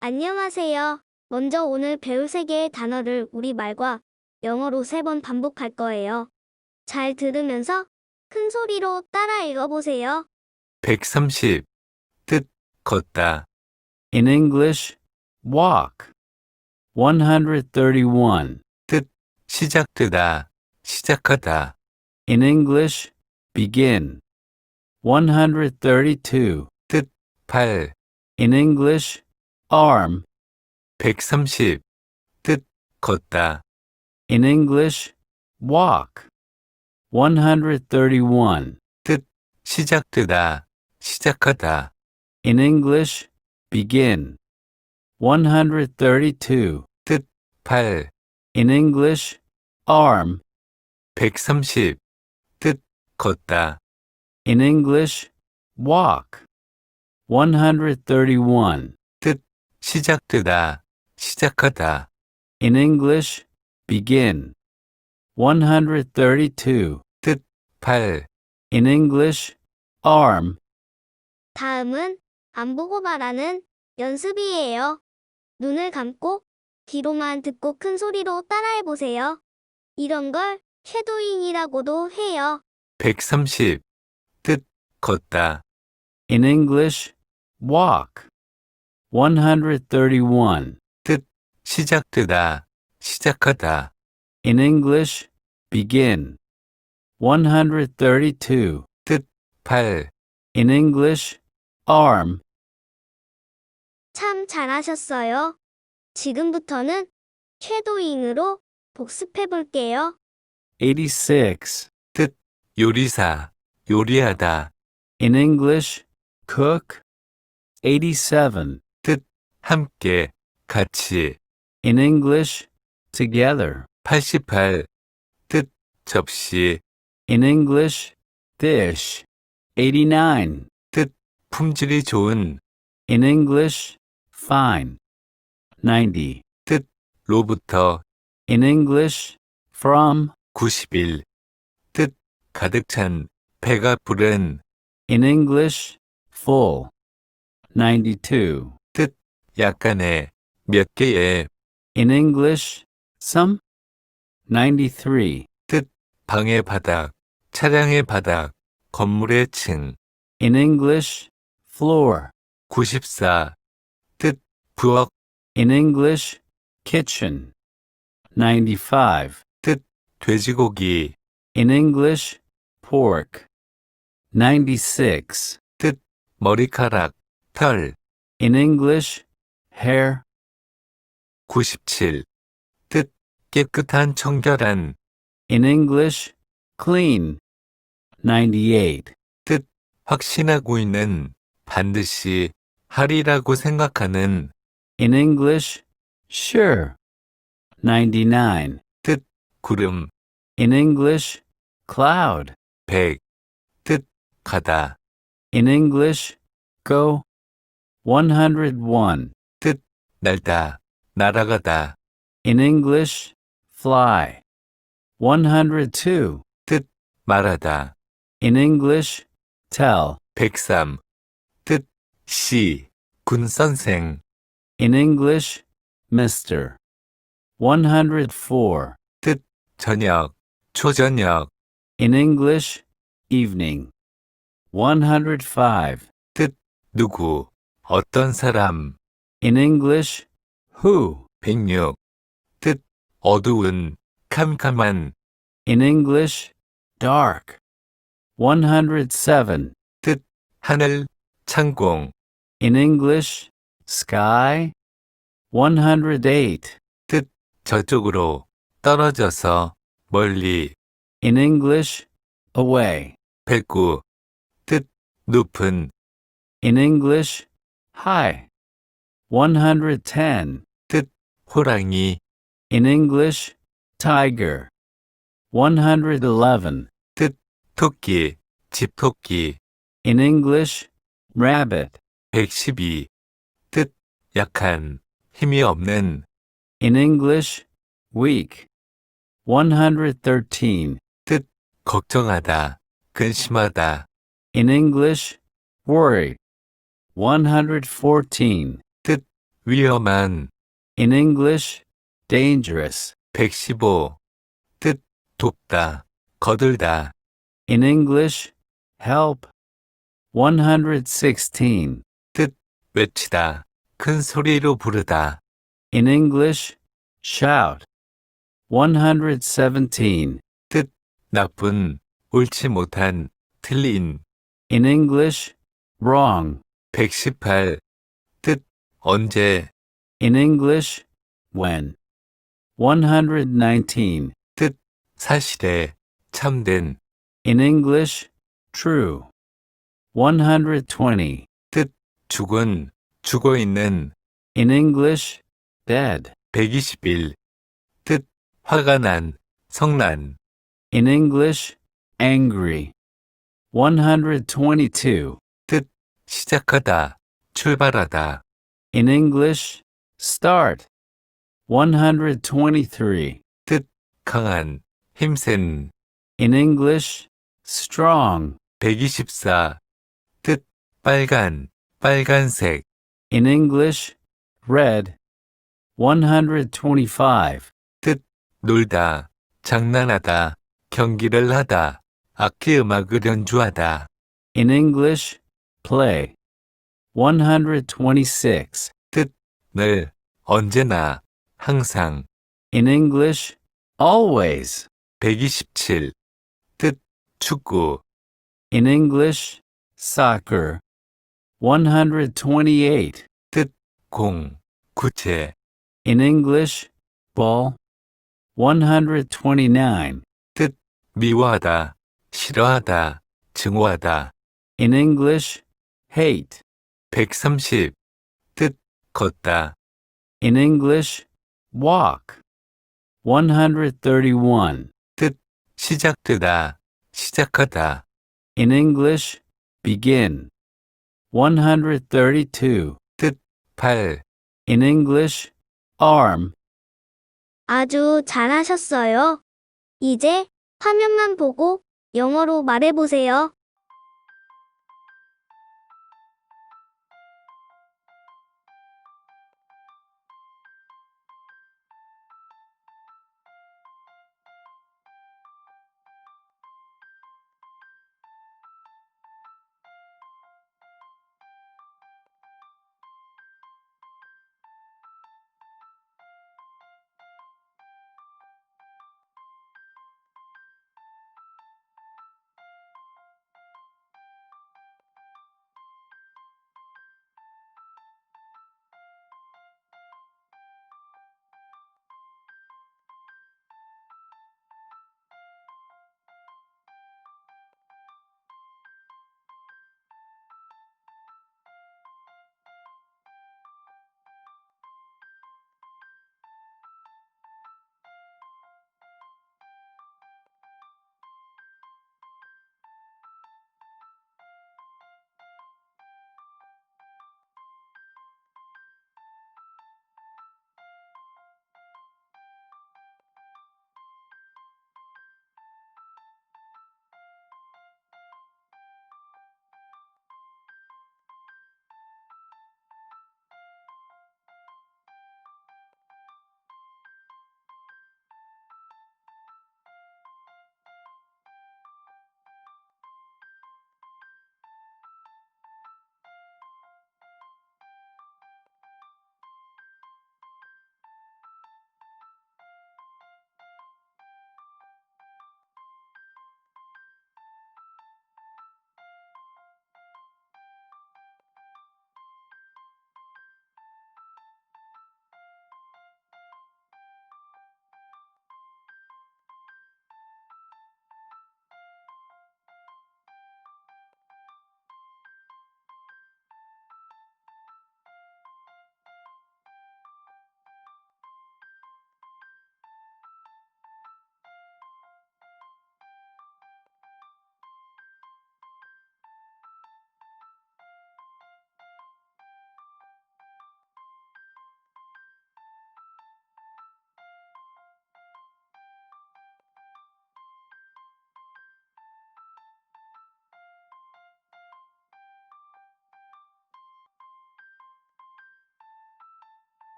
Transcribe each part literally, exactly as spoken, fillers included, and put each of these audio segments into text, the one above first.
안녕하세요. 먼저 오늘 배울 세 개의 단어를 우리말과 영어로 세 번 반복할 거예요. 잘 들으면서 큰 소리로 따라 읽어보세요. 백삼십. 뜻, 걷다. In English, walk. one hundred thirty-one. 뜻, 시작되다, 시작하다. In English, begin. one hundred thirty-two. 뜻, 발. In English, arm. 백삼십. 뜻, 걷다. In English, walk. one hundred thirty-one. 뜻, 시작되다, 시작하다. In English, begin. one hundred thirty-two. 뜻, 발. In English, arm. 백삼십. 뜻, 걷다. In English, walk. one hundred thirty-one. 뜻, 시작되다, 시작하다. In English, begin. one hundred thirty-two. 뜻, 발. In English, arm. 다음은 안 보고 말하는 연습이에요. 눈을 감고 귀로만 듣고 큰 소리로 따라해보세요. 이런 걸 쉐도잉이라고도 해요. 백삼십. 뜻, 걷다. In English, walk. one hundred thirty-one. 뜻, 시작되다, 시작하다. In English, begin. one hundred thirty-two. 뜻, 발. In English, arm. 참 잘하셨어요. 지금부터는 쉐도잉으로 복습해볼게요. eighty-six. 뜻, 요리사, 요리하다. In English, cook. eighty-seven. 뜻, 함께, 같이. In English, together. 팔십팔. 뜻, 접시. In English, dish. eighty-nine. 뜻, 품질이 좋은. In English, fine. ninety. 뜻, 로부터. In English, from. 구십일. 뜻, 가득 찬, 배가 부른. In English, full. ninety-two. 뜻, 약간의, 몇 개의. In English, some. ninety-three. 뜻, 방의 바닥, 차량의 바닥, 건물의 층. In English, floor. 구십사. 뜻, 부엌. In English, kitchen. ninety-five. 뜻, 돼지고기. In English, pork. ninety-six. 뜻, 머리카락, 털. In English, hair. 구십칠. 뜻, 깨끗한 청결한. In English, clean. ninety-eight. 뜻, 확신하고 있는, 반드시, 하리라고 생각하는. In English, sure. ninety-nine. 뜻, 구름. In English, cloud. 백. 뜻, 가다. In English, go. one hundred one. 뜻, 날다, 날아가다. In English, fly. one hundred two. 뜻, 말하다. In English, tell. 백삼. 뜻, 시, 군 선생. In English, mister. one hundred four. 뜻, 저녁, 초저녁. In English, evening. one hundred five. 뜻, 누구, 어떤 사람. In English, who. 백육. 뜻, 어두운, 캄캄한. In English, dark. one hundred seven. 뜻, 하늘, 창공. In English, sky. one hundred eight. 뜻, 저쪽으로, 떨어져서, 멀리. In English, away. 백구. 뜻, 높은. In English, high. one hundred ten. 뜻, 호랑이. In English, tiger. one hundred eleven. 뜻, 토끼, 집토끼. In English, rabbit. 백십이. 뜻, 약한, 힘이 없는. In English, weak. one hundred thirteen. 뜻, 걱정하다, 근심하다. In English, worry. one hundred fourteen. 위험한, In English, dangerous. 백십오. 뜻, 돕다, 거들다, In English, help. one hundred sixteen. 외치다, 큰 소리로 부르다, In English, shout. one hundred seventeen. 나쁜, 옳지 못한, 틀린, In English, wrong. 백십팔. 뜻, 언제, In English, when. one hundred nineteen. 사실에, 참된, In English, true. one hundred twenty. 죽은, 죽어 있는, In English, dead. 백이십일. 뜻, 화가 난, 성난, In English, angry. one hundred twenty-two. 시작하다, 출발하다, In English, start. one hundred twenty-three. 강한, 힘센, In English, strong. 백이십사. 뜻, 빨간, 빨간색, In English, red. one hundred twenty-five. 놀다, 장난하다, 경기를 하다, 악기 음악을 연주하다, In English, play. one hundred twenty-six. 늘, 언제나, 항상, In English, always. 백이십칠. 뜻, 축구, In English, soccer. one hundred twenty-eight. 공, 구체, In English, ball. one hundred twenty-nine. 미워하다, 싫어하다, 증오하다, In English, hate. 백삼십. 뜻, 걷다, In English, walk. one hundred thirty-one. 시작되다, 시작하다, In English, begin. one hundred thirty-two. 팔, In English, arm. 아주 잘하셨어요. 이제 화면만 보고 영어로 말해보세요.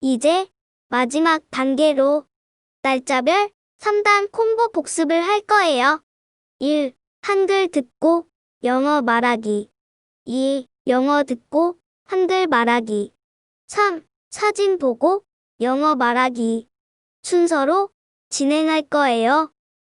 이제 마지막 단계로 날짜별 삼 단 콤보 복습을 할 거예요. 일. 한글 듣고 영어 말하기. 이. 영어 듣고 한글 말하기. 삼. 사진 보고 영어 말하기. 순서로 진행할 거예요.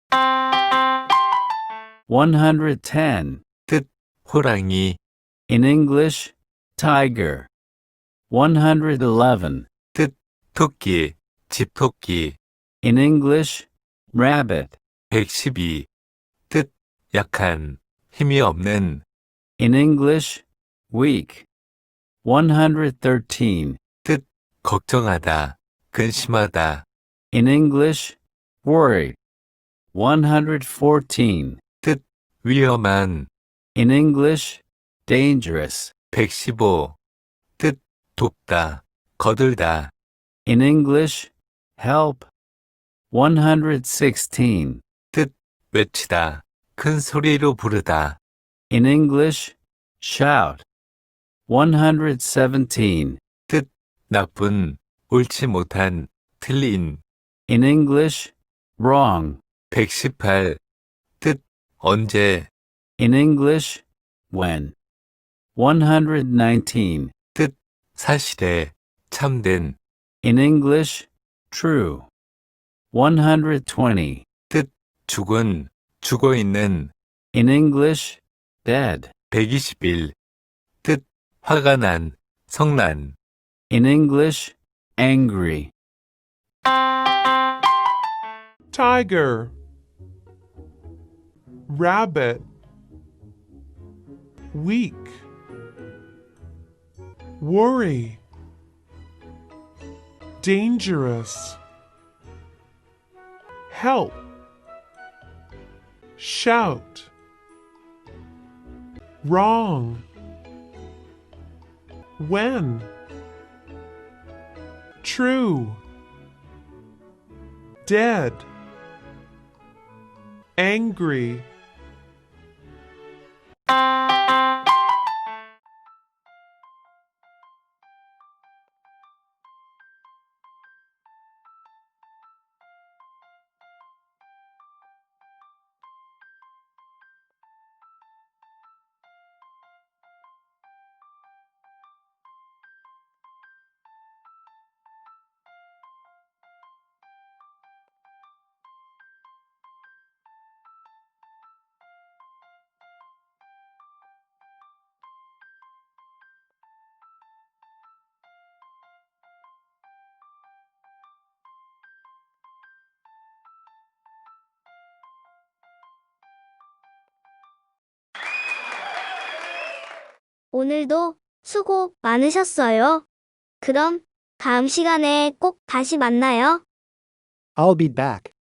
one hundred ten. 호랑이, In English, tiger. one hundred eleven. 토끼, 집토끼. In English, rabbit. 백십이. 뜻, 약한, 힘이 없는. In English, weak. one hundred thirteen. 걱정하다, 근심하다. In English, worry. one hundred fourteen. 위험한. In English, dangerous. 백십오. 뜻, 돕다, 거들다. In English, help. one hundred sixteen. 외치다, 큰 소리로 부르다. In English, shout. one hundred seventeen. 나쁜, 옳지 못한, 틀린. In English, wrong. 백십팔. 뜻, 언제. In English, when. one hundred nineteen. 사실에, 참된. In English, true. one hundred twenty. 죽은, 죽어있는. In English, dead. 백이십일. 뜻, 화가 난, 성난. In English, angry. Tiger, rabbit, weak, worry, dangerous, help, shout, wrong, when, true, dead, angry. 오늘도 수고 많으셨어요. 그럼 다음 시간에 꼭 다시 만나요. I'll be back.